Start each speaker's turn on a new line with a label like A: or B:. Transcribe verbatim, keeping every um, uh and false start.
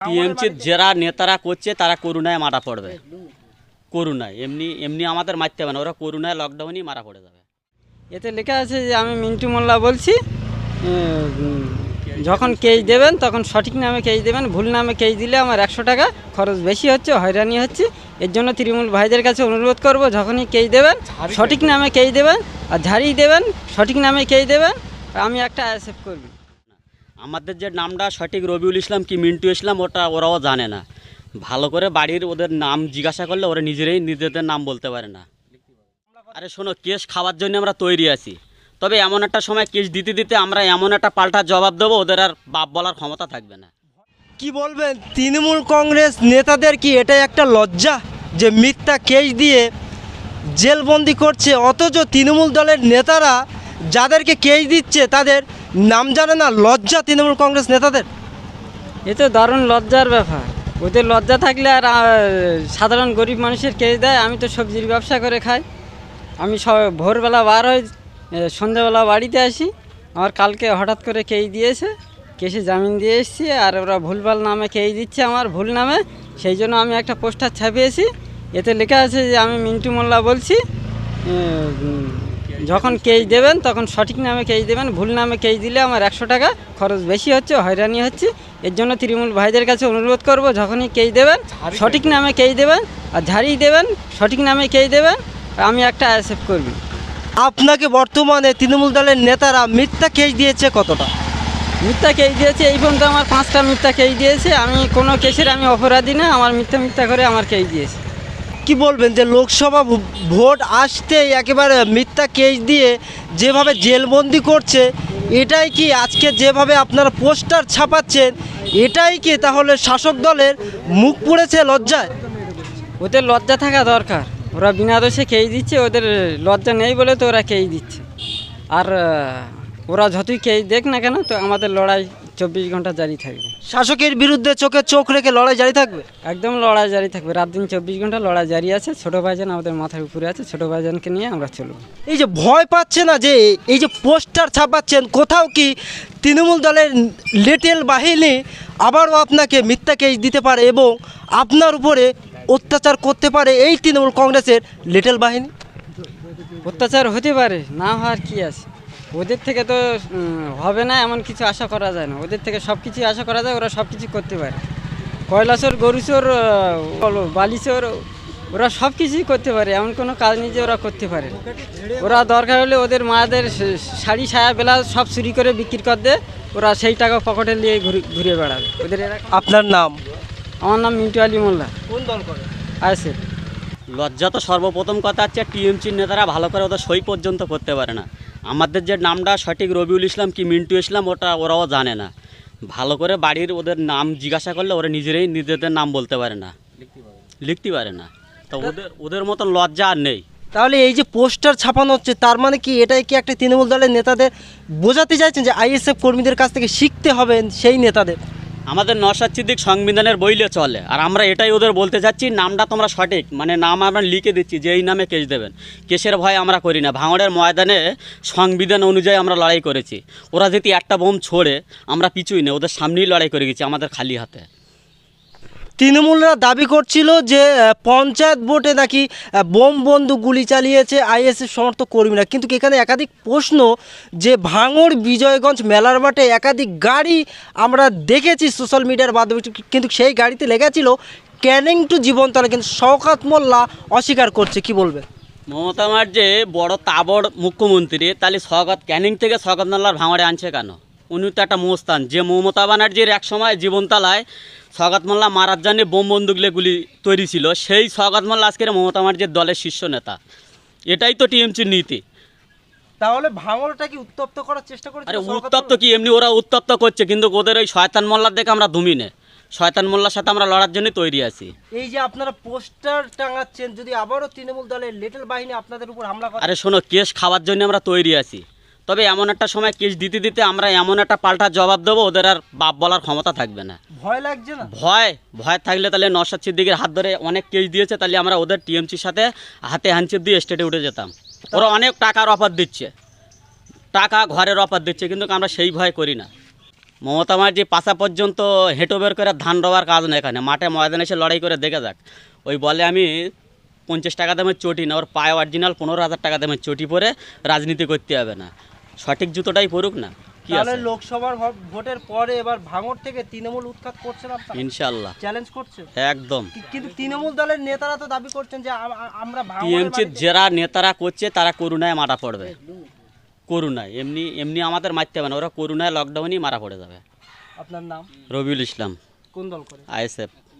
A: টিএমসির যারা নেতারা করছে তারা করুণায় মারা পড়বে, করুণায় এমনি এমনি আমাদের মারতে হবে না, ওরা করুণায় লকডাউনই মারা পড়ে যাবে।
B: এতে লেখা আছে যে আমি মিন্টু মোল্লা বলছি, উম, যখন কেস দেবেন তখন সঠিক নামে কেস দেবেন, ভুল নামে কেস দিলে আমার একশো টাকা খরচ বেশি হচ্ছে, হয়রানি হচ্ছে। এর জন্য তৃণমূল ভাইদের কাছে অনুরোধ করব, যখনই কেস দেবেন সঠিক নামে কেস দেবেন, আর ঝাড়িয়ে দেবেন সঠিক নামে কেস দেবেন, আমি একটা অ্যাকসেপ্ট করবি।
A: আমাদের যে নামটা সঠিক রবিউল ইসলাম কি মিন্টু ইসলাম ওটা ওরাও জানে না। ভালো করে বাড়ির ওদের নাম জিজ্ঞাসা করলে ওরা নিজেরাই নিজেদের নাম বলতে পারে না। আরে শোনো, কেস খাওয়ার জন্য আমরা তৈরি আছি, তবে এমন একটা সময় কেস দিতে দিতে আমরা এমন একটা পাল্টা জবাব দেবো ওদের আর বাপ বলার ক্ষমতা থাকবে না।
C: কি বলবেন, তৃণমূল কংগ্রেস নেতাদের কি এটাই একটা লজ্জা যে মিথ্যা কেস দিয়ে জেলবন্দি করছে, অথচ তৃণমূল দলের নেতারা যাদেরকে কেস দিচ্ছে তাদের নাম জানে না? লজ্জা তৃণমূল কংগ্রেস নেতাদের।
B: এ তো দারুণ লজ্জার ব্যাপার। ওদের লজ্জা থাকলে আর আহ, সাধারণ গরিব মানুষের কেস দেয়। আমি তো সবজির ব্যবসা করে খাই, আমি সব ভোরবেলা বার হই, সন্ধ্যাবেলা বাড়িতে আসি। আমার কালকে হঠাৎ করে কেস দিয়েছে, কেসে জামিন দিয়ে এসেছি, আর ওরা ভুলভাল নামে কেস দিচ্ছে আমার ভুল নামে। সেই জন্য আমি একটা পোস্টার ছাপিয়েছি, এতে লেখা আছে যে আমি মিন্টু মোল্লা বলছি, উম, যখন কেস দেবেন তখন সঠিক নামে কেস দেবেন, ভুল নামে কেস দিলে আমার একশো টাকা খরচ বেশি হচ্ছে, হয়রানি হচ্ছে। এর জন্য তৃণমূল ভাইদের কাছে অনুরোধ করব, যখনই কেস দেবেন সঠিক নামে কেস দেবেন, আর ঝাড়িয়ে দেবেন সঠিক নামে কেস দেবেন, আমি একটা অ্যাকসেপ্ট করবি।
C: আপনাকে বর্তমানে তৃণমূল দলের নেতারা মিথ্যা কেস দিয়েছে কতটা?
B: মিথ্যা কেস দিয়েছে এই পর্যন্ত আমার পাঁচটা মিথ্যা কেস দিয়েছে। আমি কোনো কেসের আমি অপরাধী না, আমার মিথ্যা মিথ্যা করে আমার কেস দিয়েছে।
C: কি বলবেন যে লোকসভা ভোট আসতেই একেবারে মিথ্যা কেস দিয়ে যেভাবে জেলবন্দি করছে, এটাই কি আজকে যেভাবে আপনারা পোস্টার ছাপাচ্ছেন, এটাই কি তাহলে শাসক দলের মুখ পুড়েছে লজ্জায়?
B: ওদের লজ্জা থাকা দরকার, ওরা বিনা দোষে কেস দিচ্ছে, ওদের লজ্জা নেই বলে তো ওরা কেস দিচ্ছে। আর আহ, ওরা যতই কেস দেখ না কেন, তো আমাদের লড়াই চব্বিশ ঘন্টা জারি থাকবে।
C: শাসকের বিরুদ্ধে চোখে চোখ রেখে লড়াই জারি থাকবে।
B: একদম লড়াই জারি থাকবে, রাত দিন চব্বিশ ঘন্টা লড়াই জারি আছে। ছোটো ভাইজান আমাদের মাথার উপরে আছে, ছোটো ভাইজানকে নিয়ে আমরা চলব।
C: এই যে ভয় পাচ্ছে না যে এই যে পোস্টার ছাপাচ্ছেন, কোথাও কি তৃণমূল দলের লিটল বাহিনী আবারও আপনাকে মিথ্যা কেস দিতে পারে এবং আপনার উপরে অত্যাচার করতে পারে এই তৃণমূল কংগ্রেসের লিটল বাহিনী?
B: অত্যাচার হতে পারে, না হওয়ার কি আছে। ওদের থেকে তো উম, হবে না এমন কিছু আশা করা যায় না, ওদের থেকে সব কিছুই আশা করা যায়, ওরা সব কিছু করতে পারে। কয়লাচোর, গরুচোর, বালিচোর, ওরা সব কিছুই করতে পারে, এমন কোনো কাজ নেই যে ওরা করতে পারে। ওরা দরকার হলে ওদের মায়েদের শাড়ি সায়া ব্লাউজ সব চুরি করে বিক্রি করে দেয়, ওরা সেই টাকা পকেটে নিয়ে ঘুরে ঘুরে বেড়াবে। ওদের এরকম।
C: আপনার নাম?
B: আমার নাম মিন্টু আলী মোল্লা।
C: কোন দল করে?
B: আছে
A: লজ্জা তো সর্বপ্রথম কথা হচ্ছে টিএমসির নেতারা ভালো করে ওদের সই পর্যন্ত করতে পারে না। আমাদের যে নামটা সঠিক রবিউল ইসলাম কি মিন্টু ইসলাম ওটা ওরাও জানে না। ভালো করে বাড়ির ওদের নাম জিজ্ঞাসা করলে ওরা নিজেরাই নিজেদের নাম বলতে পারে না, লিখতে পারে না। তো ওদের ওদের মতন লজ্জা আর নেই।
C: তাহলে এই যে পোস্টার ছাপানো হচ্ছে, তার মানে কি এটাই কি একটা তৃণমূল দলের নেতাদের বোঝাতে চাইছেন যে আইএসএফ কর্মীদের কাছ থেকে শিখতে হবে সেই নেতাদের?
A: আমাদের নওশাদ সিদ্দিক সংবিধানের বইলে চলে, আর আমরা এটাই ওদের বলতে চাচ্ছি, নামটা তোমরা সঠিক মানে নাম আমরা লিখে দিচ্ছি যে এই নামে কেস দেবেন। কেসের ভয় আমরা করি না, ভাঙড়ের ময়দানে সংবিধান অনুযায়ী আমরা লড়াই করেছি। ওরা যদি একটা বোম ছোড়ে আমরা পিছুই না, ওদের সামনেই লড়াই করে গেছি আমাদের খালি হাতে।
C: তৃণমূলরা দাবি করছিল যে আহ, পঞ্চায়েত ভোটে নাকি আহ, বোম বন্দুক গুলি চালিয়েছে আইএসএফ সমর্থক কর্মীরা, কিন্তু এখানে একাধিক প্রশ্ন যে ভাঙড় বিজয়গঞ্জ মেলার মাঠে একাধিক গাড়ি আমরা দেখেছি সোশ্যাল মিডিয়ার মাধ্যমে, কিন্তু সেই গাড়িতে লেগেছিল ক্যানিং টু জীবনতলা, কিন্তু শওকত মোল্লা অস্বীকার করছে। কি বলবেন?
A: মমতা ব্যানার্জি বড় তাবড় মুখ্যমন্ত্রী, তাহলে স্বাগত ক্যানিং থেকে স্বাগত মোল্লার ভাঙড়ে আনছে কেন? উনি তো একটা মোস্তান, যে মমতা ব্যানার্জির এক সময় জীবনতলায় স্বাগত মোল্লা মারার জন্য বোম বন্দুকলে গুলি তৈরি ছিল, সেই স্বাগত মোল্লা আজকের মমতা ব্যানার্জির দলের শীর্ষ নেতা। এটাই তো টিএমসির নীতি।
C: তাহলে ভাঙড়টা কি উত্তপ্ত করার চেষ্টা করছে?
A: আরে উত্তপ্ত কি, এমনি ওরা উত্তপ্ত করছে, কিন্তু ওদের ওই শয়তান মোল্লার দেখে আমরা ধুমি নে, শয়তান মোল্লার সাথে আমরা লড়ার জন্য তৈরি আছি।
C: এই যে আপনারা পোস্টার টাঙাচ্ছেন, যদি আবারও তৃণমূল দলের লিটল বাহিনী আপনাদের উপর হামলা করে?
A: আরে শোনো, কেস খাওয়ার জন্য আমরা তৈরি আছি, তবে এমন একটা সময় কেস দিতে দিতে আমরা এমন একটা পাল্টা জবাব দেবো ওদের আর বাপ বলার ক্ষমতা থাকবে না।
C: ভয় লাগছে না?
A: ভয় ভয় থাকলে তাহলে নওশাদ সিদ্দিকের হাত ধরে অনেক কেস দিয়েছে, তাহলে আমরা ওদের টিএমসির সাথে হাতে হ্যান্ডশেক দিয়ে স্টেটে উঠে যেতাম। ওরা অনেক টাকার অফার দিচ্ছে, টাকা ঘরের অফার দিচ্ছে, কিন্তু আমরা সেই ভয় করি না। মমতা মাঝি পাশা পর্যন্ত হেঁটো বের করে ধান রোয়ার কাজ না, এখানে মাঠে ময়দানে এসে লড়াই করে দেখে যাক। ওই বলে আমি পঞ্চাশ টাকা দামের চটি না, ওর পায়ে অরিজিনাল পনেরো হাজার টাকা দামের চটি পরে রাজনীতি করতে হবে না, সঠিক জুতোটাই পরুক না, কি
C: তাহলে
A: আছে?
C: লোকসভার ভো- ভোটের পরে এবার ভাঙড় থেকে তৃণমূল উৎখাত করছেন আপনারা,
A: ইনশাল্লাহ
C: চ্যালেঞ্জ করছেন।
A: একদম।
C: কি- কিন্তু তৃণমূল দলের নেতারা তো দাবি করছেন যে আ- আ- আমরা ভাঙড়ের
A: টিএমসির
C: মাটিতে-
A: যারা নেতারা করছে তারা করুণায় মারা পড়বে, করুণায়, এমনি এমনি আমাদের মারতে হবে না, ওরা করুণায় লকডাউনই মারা পড়ে যাবে।
C: আপনার নাম,
A: রবিউল ইসলাম,
C: কোন দল করে?
A: আইএসএফ।